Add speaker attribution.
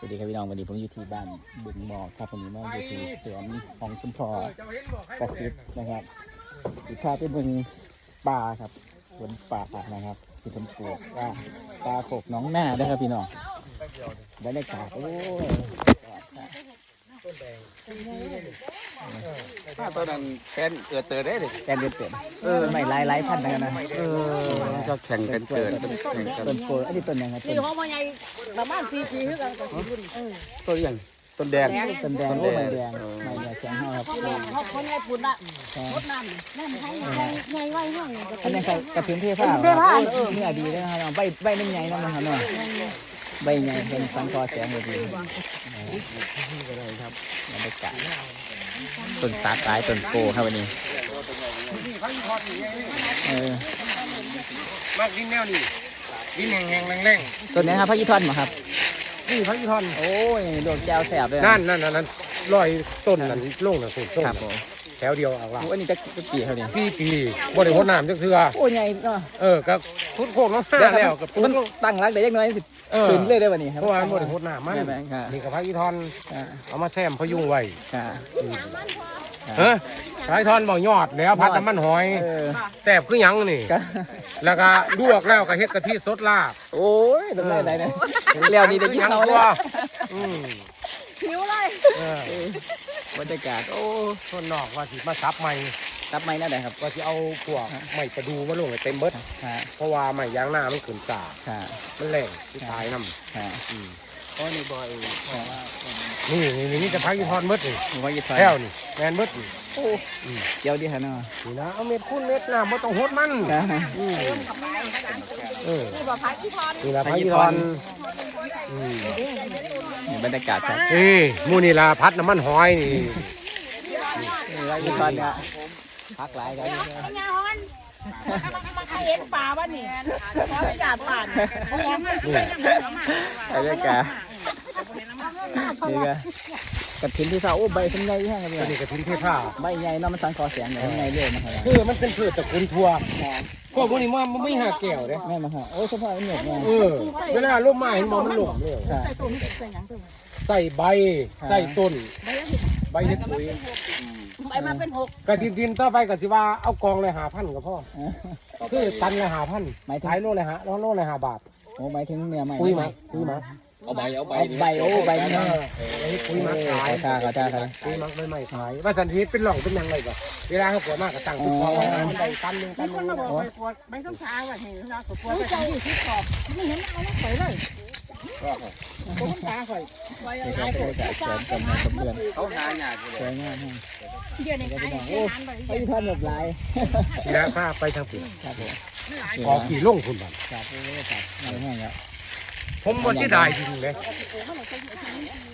Speaker 1: วัสดีครับพี่น้องวันนี้ผมอยู่ที่บ้านบึงหมอกครับวันนี้มาอยู่ที่สวนของคุณพ่อกระซิบนะครับอีกภาพเป็นบึงป่าครับสวนป่านะครับที่ผมปลูกว่าปลาโขกน้องหน้าด้วยครับพี่น้องบรรยากาศโอ้ย
Speaker 2: ถ้าตอนนั้นแฟนเกิดเตอได้เลย
Speaker 1: แกนเดือดเต็มไม่หลายพันนะ
Speaker 2: ก็แข่งกันเกิดแข่งกัน
Speaker 1: ต้นโพอันนี้ต้นยังไงต้
Speaker 3: นี่
Speaker 1: น
Speaker 3: ห้องมันใหญ่ประมาณ4 ปีคือกันก็สิรุ่น
Speaker 2: ต้นยังต้นแดง
Speaker 1: ต้นแดงโอ้ไม่แดงไม่เนี่ยแข็งห้าครับ
Speaker 3: เขาใหญ่ปุ่นละรถน้ำนั่นให้ใหญ่ไว้ห้อง
Speaker 1: อันนี้กระถิ่นเทผ้าเนี่ยดีเลยนะครับใบนึ่งใหญ่นั่นนะครับเนาะใบใหญ่เป็นสังคอแสงเลยดีครับบรรยากาศต้นสาตายต้นโกครับวันนี้
Speaker 2: มากดินแนวนี่ดินแห้งๆแรง
Speaker 1: ต้นนี้ครับพระยี่ทอนเหรอครับ
Speaker 2: ๆนี่พักอีทอน
Speaker 1: โอ้ยดอกแก้วแสบเลย
Speaker 2: นั่นลอยต้นนั่นลงน่ะต้น
Speaker 1: ครับผม
Speaker 2: แถวเดียวอ่างลา
Speaker 1: อันนี้จะกี่ครับเนี่ย
Speaker 2: ปีบ่ได้รดน้ำจักเทื่อ
Speaker 1: โอ้ยใหญ่เนาะ
Speaker 2: ก็ทุดโคกน้ำแล้วกับปุ๊
Speaker 1: มันตั้งรักได้ยังน้อยสิขึ้นเลยได้วันนี้ครับ
Speaker 2: เพราะว่าบ่ได้รดน้ำมันนี่กับพักอีทอนเอามาแซมพยุงไว้พักอีทอนบ่ยอดแล้วพัดน้ำมันหอยแซ่บคือหยังนี่แล้วก็ลวกแล้วก็เฮ็ดกะทิสดลาบ
Speaker 1: โอ้ยทำไรเนี่ยเลี้ยวนี่ได้ยินเขาเลย
Speaker 3: หิวเลย
Speaker 1: บรรยากาศโอ้
Speaker 2: ส่วนนอกว่าสิมาซับใหม่
Speaker 1: รับไม่น่าได้ครับ
Speaker 2: ว่าสิเอาพวกไม้ประดูมาลงให้เต็มเบิดเพราะว่าไม้ยางหน้ามันขึ้นสามันแรงที่ตายน้ำ
Speaker 1: โอ้นี่บอย
Speaker 2: นี่จะพักอีทอนเบิดนี่
Speaker 1: ผมว่ายี่ห้อ
Speaker 2: แก้วนี่แมนเบิดนี่
Speaker 1: โอ้เกี่ยวดีฮะเนาะ
Speaker 2: นี่นะเอาเม็ดคูณเม็ดน้ำไม่ต้องหดมัน
Speaker 3: นี่บ่พักที่พร
Speaker 2: นี่ละพักอีทอน
Speaker 1: บรรยากาศครับ
Speaker 2: นี่มูนี่ละพัดน้ำมันหอยนี่
Speaker 1: ว่ายี่ห้อเนี่ยพักหลายกัน
Speaker 3: เป็นไงฮอนเห็นป่าบ้านนี่ขออนุญาตผ่าน
Speaker 1: บรรยากาศนี่ก็กระถิ่นที่เขาโอ้ใบเป็นไงฮะครับ
Speaker 2: ตัวนี้
Speaker 1: เนี่ย
Speaker 2: กระถิ่นเทผ้า
Speaker 1: ใบใหญ่เนาะมันสังคอแสงใหญ่ไงเรื่อยมาครับ
Speaker 2: มันเป็นพืชตระกูลทั่วพวกนี้มันไม่หาแก้วเด้
Speaker 1: แม่มาครับโอ้เฉพาะเหนือไง
Speaker 2: เวลาลมมาเห็นมันหลงเลย
Speaker 3: ใส่ตัวนี้ใส่หยังตัว
Speaker 2: ใส่ใบใส่ต้นใบเห็ดปุ๋ย
Speaker 3: ไปมาเป็น6
Speaker 2: กะทินต่อไปก็สิว่าเอากองเลย5,000กับพ่อคือตันเลย5,000ขายโลเลย5บาท
Speaker 1: โอ้หมายถึงเนื้อใหม่
Speaker 2: ปุ๋ยมาเอาใบ
Speaker 1: ใบโอ้ใบเนี่ย
Speaker 2: ปุ๋ยมาขาย
Speaker 1: ขอจ้าครับ
Speaker 2: ปุ๋ยมาใบขายว่าสันทีเป็นหล่องเป็นยังไงบ่เวลาเขาปวดมากก็ตั้งทุกกองใบตันนึง
Speaker 3: มีคนมาบอกไปปวดไปต้องช้าว่าเห็นเราปวดไปที่ขอบไม่เห็นเอาแล้วข่อยเลยผมตาข่อยไป
Speaker 1: นี่
Speaker 3: หา
Speaker 1: ก็
Speaker 3: ย
Speaker 1: เป็น
Speaker 3: ข่อย
Speaker 1: การสวนต้นไม้ต้นเดือน
Speaker 2: เขาหาหยาด
Speaker 1: สวยงาม
Speaker 3: เดี๋ยวนี้ขาย
Speaker 1: โอ้ไอ้ท่านแบบลาย
Speaker 2: ทีละผ้าไปทางผิด
Speaker 1: ครับผม
Speaker 2: ขอกี่ลงคุณบ้าง
Speaker 1: ครับโอ้ครับไม่แห้งแล้ว
Speaker 2: ผมบ่ที่ได้จริงเลย